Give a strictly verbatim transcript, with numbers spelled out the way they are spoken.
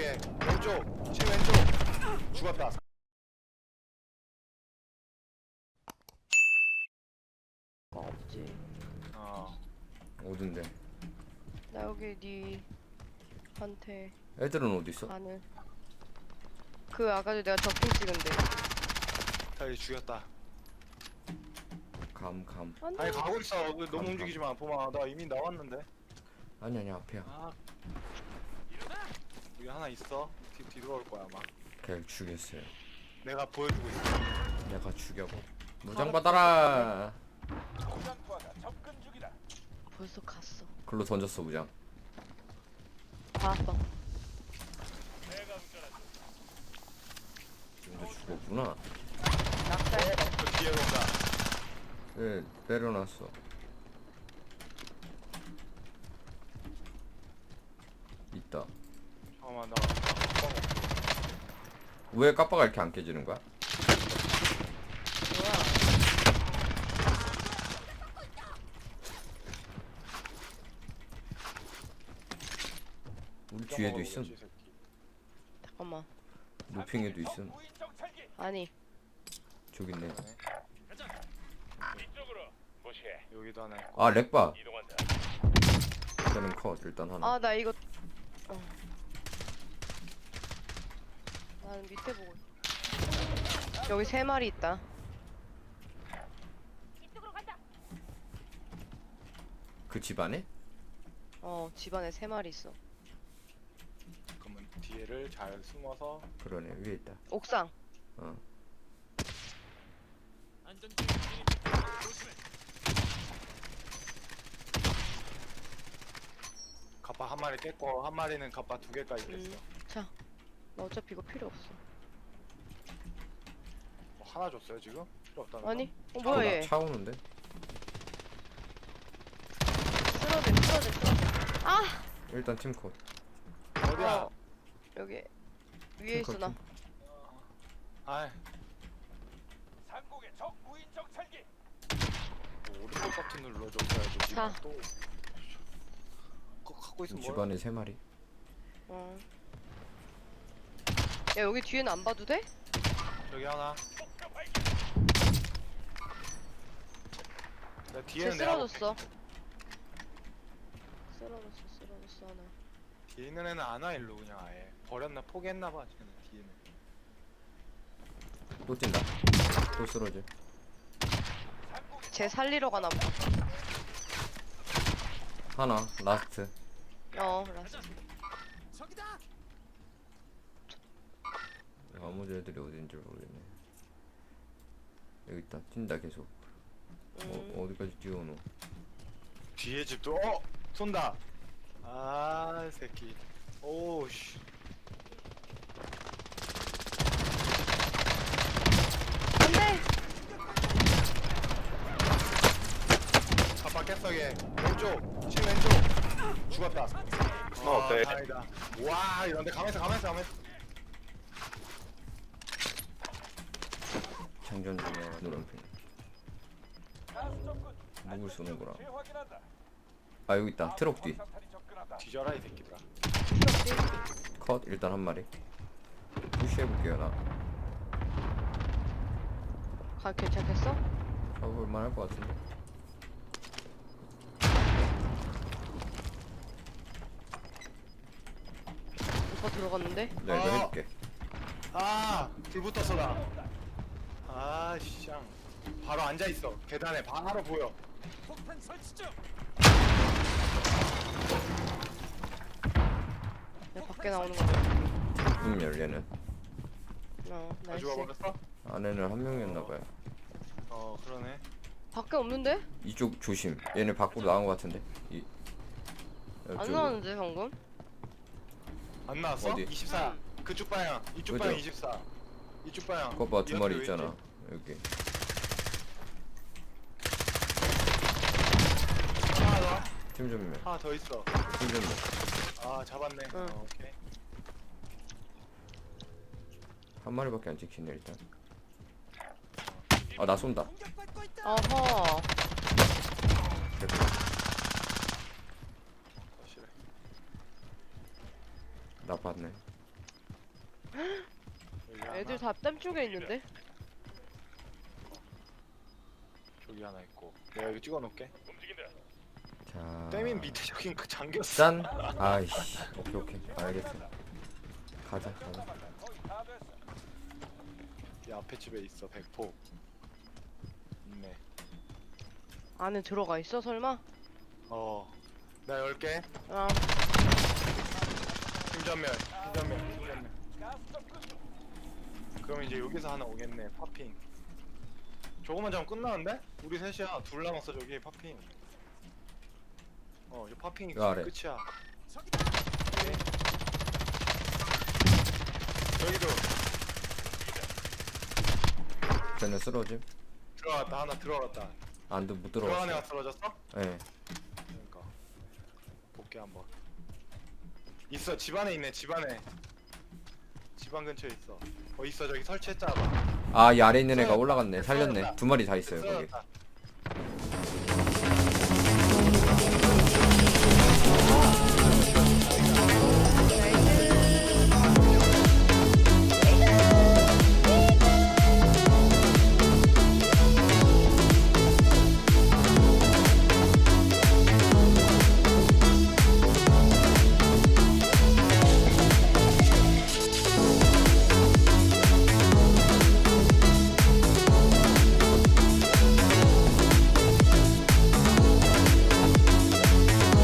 왼쪽에 왼쪽 제 왼쪽 죽었다. 없지. 어 어딘데? 나 여기 니한테 애들은 어디 있어? 아는 그 아까도 내가 적힌 찍은데. 다리 죽였다. 감 감. 안돼. 아니 가고 있어. 왜 감, 너무 감. 움직이지 마. 보마 나 이미 나왔는데. 아니 아니 앞이야. 아 여기 하나 있어. 뒤 뒤로 올 거야 아마. 걔를 죽였어요. 내가 보여주고 있어. 내가 죽여버. 무장 받아라. 벌써 갔어. 글로 던졌어 무장. 봤어. 근데 죽었구나. 낙살. 저 뒤에 온다. 네 내려놨어. 있다. 잠깐만 나 깜빡 왜 까빠가 이렇게 안 깨지는 거야? 뭐야? 우리 뒤에도 있음. 먹어보겠지, 새끼. 잠깐만. 노핑에도 있음. 아니. 저기 있네. 여기도 하나 있고. 아 렉바. 걔는 컷 일단 하나. 아 나 이거. 어. 나는 밑에 보고 있어. 여기 세 마리 있다. 그 집안에? 어 집안에 세 마리 있어. 그러면 뒤에를 잘 숨어서. 그러네 위에 있다. 옥상. 어. 갑바 한 마리 깼고 한 마리는 갑바 두 개까지 깼어. 음. 자. 나 어차피 이거 필요 없어. 뭐 하나 줬어요 지금? 필요 없다는 아니? 거? 어 뭐야 얘? 차 오는데? 쓰러져 쓰러져 쓰러져. 아! 일단 팀 컷. 어디야? 어. 여기 위에 있어 나. 아이 상공의 적 무인 정찰기. 뭐 오른쪽 버튼 눌러줬어야지 지금 자. 또 그거 갖고 있으면 뭐야? 집안에 세 마리. 어. 야 여기 뒤에는 안 봐도 돼? 저기 하나. 내 쟤 뒤에는 내가 볼게. 쓰러졌어. 쓰러졌어 쓰러졌어 하나. 뒤에 있는 애는 안 와 일로 그냥 아예 버렸나 포기했나봐 쟤는 뒤에는. 또 뛴다. 또 쓰러져. 쟤 살리러 가나 보다. 하나 라스트. 어 라스. 적이다. 나머지 애들이 어딘지 모르겠네. 여기 있다. 뛴다 계속. 음. 어, 어디까지 뛰어오노? 뒤에 집도 어 쏜다. 아 새끼. 오우씨. 안돼. 갑바 깼어 얘. 왼쪽 지 왼쪽 죽었다. 어, 어때? 다행이다. 와 이런데 가면서 가면서 가면서. 장전 중에 노란핑. 누굴 쏘는구나. 재확인한다. 아 여기 있다. 트럭 뒤. 상탄이 접근한다. 뒤져라 이 새끼들아. 컷 일단 한 마리. 푸시해볼게요 나. 가 괜찮겠어? 잡을만 할 것 같은데. 오빠 들어갔는데? 내가 이거 어. 해줄게. 아불 붙었어 나. 아 씨. 바로 앉아 있어. 계단에 바로 보여. 폭탄 설치 중. 야 밖에 나오는 거 같아. 문 열려는. 어 다 나이스. 죽어버렸어? 안에는 한 명이었나봐요. 어 그러네. 밖에 없는데? 이쪽 조심. 얘네 밖으로 나온 것 같은데. 이. 안 이쪽으로. 나왔는데 방금? 안 나왔어? 어디? 이십사. 그쪽 방향. 이쪽 그죠? 방향 이십사. 이쪽 방향. 그거 봐, 두 이 마리 옆에 있잖아. 왼쪽. 여기. 하나 더. 팀 전면. 하나 더 있어. 팀 전면. 아 잡았네. 응. 어, 오케이. 한 마리밖에 안 찍히네 일단. 아 나 쏜다. 공격받고 있다. 어허. 됐다. 어, 싫어. 나 봤네. 애들 다 땀 쪽에 있는데? 저기 하나 있고. 내가 여기 찍어놓을게. 자. 땜인 밑에 저긴 그 잠겼어. 짠. 아이씨. 오케이 오케이. 알겠어. 가자. 가자. 이 앞에 집에 있어. 백포. 있네. 안에 들어가 있어 설마? 어. 나 열게. 아 팀전멸. 팀전멸. 팀전멸. 그럼 이제 여기서 하나 오겠네. 파핑. 저거만 잡으면 끝나는데? 우리 셋이야. 둘 남았어 저기 파핑. 어, 저 파핑이 이거 아래. 끝이야. 오케이. 저기도 쟤네 쓰러짐. 들어갔다. 하나 들어갔다. 안도 못 들어간 들어갔어. 애가 쓰러졌어? 예. 그러니까 볼게 한번. 있어. 집 안에 있네. 집 안에. 집 안 근처에 있어. 어 있어. 저기 설치했잖아. 아, 이 아래 있는 애가 쓰러졌다. 올라갔네. 살렸네. 쓰러졌다. 두 마리 다 있어요 거기. 쓰러졌다.